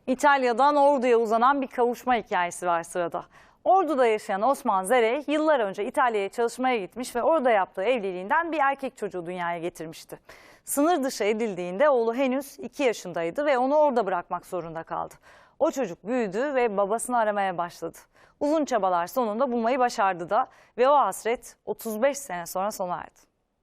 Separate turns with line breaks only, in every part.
İtalya'dan Ordu'ya uzanan bir kavuşma hikayesi var sırada. Ordu'da yaşayan Osman Zerey yıllar önce İtalya'ya çalışmaya gitmiş ve orada yaptığı evliliğinden bir erkek çocuğu dünyaya getirmişti. Sınır dışı edildiğinde oğlu henüz 2 yaşındaydı ve onu orada bırakmak zorunda kaldı. O çocuk büyüdü ve babasını aramaya başladı. Uzun çabalar sonunda bulmayı başardı da ve o hasret 35 sene sonra sona erdi.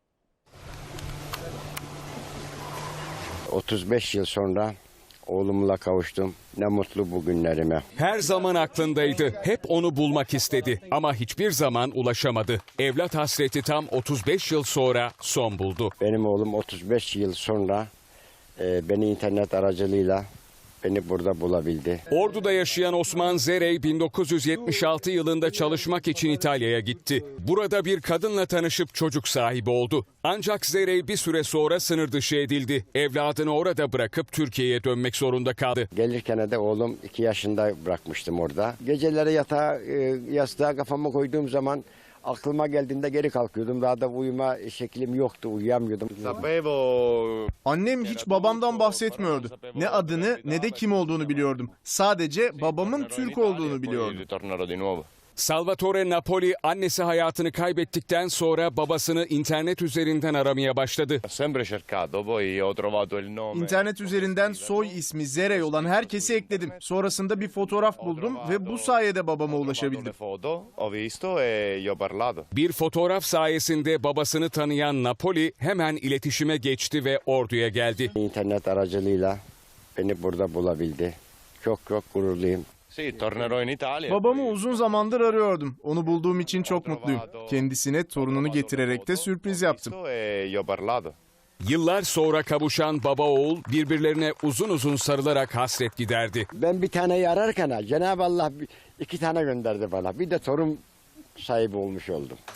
35 yıl sonra oğlumla kavuştum. Ne mutlu bugünlerime.
Her zaman aklındaydı. Hep onu bulmak istedi ama hiçbir zaman ulaşamadı. Evlat hasreti tam 35 yıl sonra son buldu.
Benim oğlum 35 yıl sonra beni internet aracılığıyla beni burada bulabildi.
Ordu'da yaşayan Osman Zerey 1976 yılında çalışmak için İtalya'ya gitti. Burada bir kadınla tanışıp çocuk sahibi oldu. Ancak Zerey bir süre sonra sınır dışı edildi. Evladını orada bırakıp Türkiye'ye dönmek zorunda kaldı.
Gelirken de oğlum 2 yaşında bırakmıştım orada. Geceleri yastığa kafamı koyduğum zaman aklıma geldiğinde geri kalkıyordum. Daha da uyuma şeklim yoktu, uyuyamıyordum.
Annem hiç babamdan bahsetmiyordu. Ne adını ne de kim olduğunu biliyordum. Sadece babamın Türk olduğunu biliyordum.
Salvatore Napoli annesi hayatını kaybettikten sonra babasını internet üzerinden aramaya başladı.
İnternet üzerinden soy ismi Zerey olan herkesi ekledim. Sonrasında bir fotoğraf buldum ve bu sayede babama ulaşabildim.
Bir fotoğraf sayesinde babasını tanıyan Napoli hemen iletişime geçti ve Ordu'ya geldi.
İnternet aracılığıyla beni burada bulabildi. Çok gururluyum.
Babamı uzun zamandır arıyordum. Onu bulduğum için çok mutluyum. Kendisine torununu getirerek de sürpriz yaptım.
Yıllar sonra kavuşan baba oğul birbirlerine uzun uzun sarılarak hasret giderdi.
Ben bir taneyi ararken Cenab-ı Allah 2 tane gönderdi bana. Bir de torun sahibi olmuş oldum.